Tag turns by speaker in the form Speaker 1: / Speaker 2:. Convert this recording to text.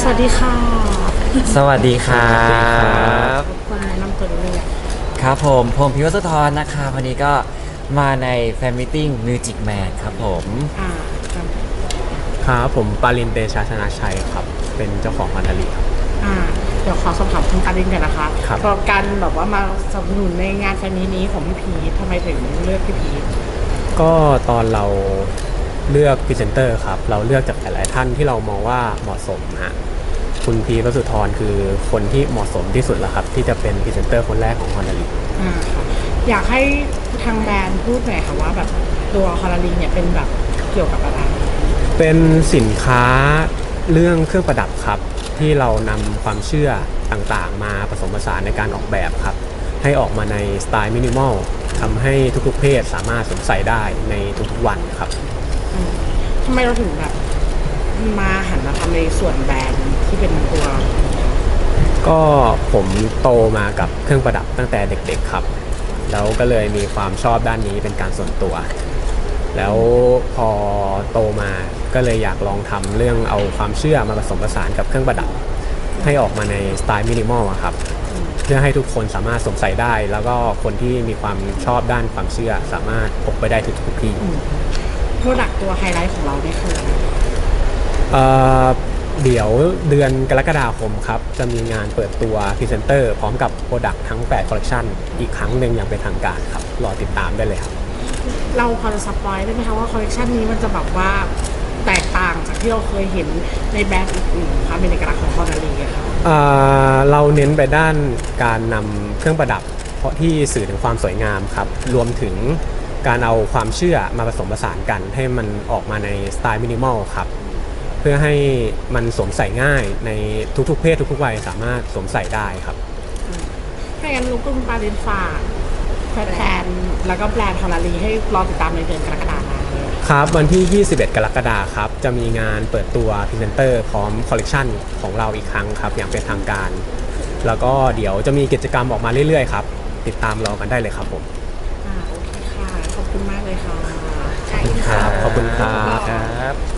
Speaker 1: สวัสดีค่ะ
Speaker 2: สวัสดีครับ
Speaker 1: คนแนะนำตัวเลย
Speaker 2: ครับผมพิวสุธรนะคะวันนี้ก็มาในแฟนมิทติ้งมิวจิกแมนครับผม
Speaker 1: อ่าครับ
Speaker 3: ครับผมปารินเตชะชนะชัยครับเป็นเจ้าของมันดาริครับ
Speaker 1: อ่าเดี๋ยวขอสอบถามคุณการินกันนะคะ
Speaker 3: ครับ
Speaker 1: เพราะการแบบว่ามาสนับสนุนในงานแฟนมีนี้ของพี่พีททำไมถึงเลือกพี่พีท
Speaker 3: ก็ตอนเราเลือกพรีเซนเตอร์ครับเราเลือกจากหลายๆท่านที่เรามองว่าเหมาะสมฮะคุณพีวสุธรคือคนที่เหมาะสมที่สุดแล้วครับที่จะเป็นพรีเซนเตอร์คนแรกของฮอนดาริ
Speaker 1: ค่ะอยากให้ทางแบรนด์พูดหน่อยค่ะว่าแบบตัวคอลลารีนเนี่ยเป็นแบบเกี่ยวกับอะไร
Speaker 3: เป็นสินค้าเรื่องเครื่องประดับครับที่เรานำความเชื่อต่างๆมาผสมผสานในการออกแบบครับให้ออกมาในสไตล์มินิมอลทำให้ทุกๆเพศสามารถสวมใส่ได้ในทุกๆวันครับ
Speaker 1: ทำไมเราถึงแบบมาหันมาทำในส่วนแบรนด์ที่เป็นตัว
Speaker 3: ก็ผมโตมากับเครื่องประดับตั้งแต่เด็กๆครับแล้วก็เลยมีความชอบด้านนี้เป็นการส่วนตัวแล้วพอโตมาก็เลยอยากลองทำเรื่องเอาความเชื่อมาผสมผสานกับเครื่องประดับให้ออกมาในสไตล์มินิมอลครับเพื่อให้ทุกคนสามารถสวมใส่ได้แล้วก็คนที่มีความชอบด้านความเชื่อสามารถพกไปได้ทุกที่
Speaker 1: โปรดักตัวไฮไลท์ของเราเนี่ยคืออะไร
Speaker 3: เอ่อเดี๋ยวเดือนกรกฎาคมครับจะมีงานเปิดตัวพรีเซนเตอร์พร้อมกับโปรดักต์ทั้ง8คอลเลคชันอีกครั้งหนึ่งอย่างเป็นทางการครับรอติดตามได้เลยครับ
Speaker 1: เราพอจะสปอยได้ไหมคะว่าคอลเลคชันนี้มันจะแบบว่าแตกต่างจากที่เราเคยเห็นในแบรนด์อื่นๆคะเป็นเอกลักษณ์ของคอลลารีอะค่ะ
Speaker 3: เราเน้นไปด้านการนำเครื่องประดับเพราะที่สื่อถึงความสวยงามครับรวมถึงการเอาความเชื่อมาผสมผสานกันให้มันออกมาในสไตล์มินิมอลครับเพื่อให้มันสวมใส่ง่ายในทุกๆเพศทุกๆวัยสามารถสวมใส่ได้ครับ
Speaker 1: ถ้าอย่างนั้นลูกคุณปาเรนฝากแฟนๆแล้วก็แบรนด์คอลลารีให้รอติดตามในเดือนกรกฎาคมเลย
Speaker 3: ครับวันที่ 21 กรกฎาคมครับจะมีงานเปิดตัวพรีเซนเตอร์พร้อมคอลเลกชันของเราอีกครั้งครับอย่างเป็นทางการแล้วก็เดี๋ยวจะมีกิจกรรมออกมาเรื่อยๆครับติดตามรอกันได้เลยครับผม
Speaker 1: โอเคค่ะขอบคุณมากเลยค่ะ
Speaker 3: ครับขอบคุณครั
Speaker 2: ครับ